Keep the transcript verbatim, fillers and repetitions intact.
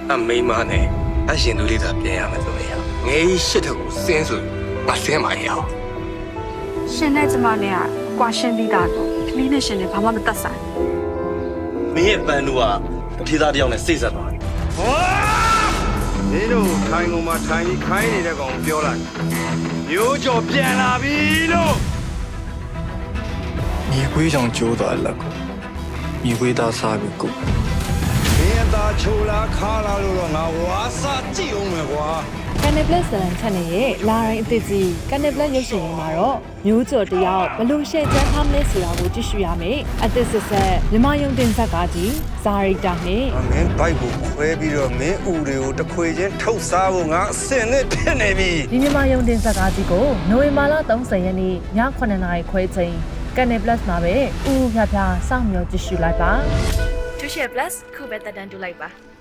အမိမနဲ့အရှင်သူလေးသာပြန်ရမယ်ဆိုရင်ငယ်ကြီးရှစ်ထက်ကိုစင်းဆိုငါစင်းမရအောင်ရှင်နဲ့ကျမနဲ့ကကွာရှင်းပြီးသားတော့ကလေးနဲ့ရှင်နဲ့ဘာမှမသက်ဆိုင်မင်းရဲ့ပန်းတို့ကထေးသားတယောက်နဲ့စိတ်ဆက်သွားတယ်ဟောမင်းတို့ထိုင်ကုန်မှာထိုင်ပြီးခိုင်းနေတဲ့ကောင်ပြောလိုက်မျိုးကျော်ပြန်လာပြီလို့မြေခွေးကြောင့်ကျိုးသွားလက်ကိုမြေခွေးသားစားပြီးကိုမင်းသားချိုလာခါလာလို့တော့ငါဝါစာကြည့်အောင်မယ်ကွာ Canal Plus ဇာတ်လမ်း channel ရဲ့လာရင်အသစ်ကြီး Canal Plus ရုပ်ရှင်ရင်းမှာတော့မျိုးကျော်တယောက်ဘလို့ရှယ်ချမ်းထားမလဲဆိုတာကိုကြည့်ရှုရမယ်။အသစ်ဆက်ဆက်မြမယုံတင်ဇာတ်ကားကြီးဇာရီတာနဲ့မင်းဘိုက်ကိုခွဲပြီးတော့မင်းဥတွေကိုတခွေချင်းထုတ်စားဖို့ငါအစင်နဲ့ဖြစ်နေပြီဒီမြမယုံတင်ဇာတ်ကားကြီးကိုနိုဝင်ဘာလ၃၀ရက်နေ့ညခုနှစ်နာရီခွဲချိန် Canal Plus မှာပဲဥဥဖြားဖြားစောင့်မျှော်ကြည့်ရှုလိုက်ပါ။ Tuition Plus ခုပဲတက်တန်းတူလိုက်ပါ။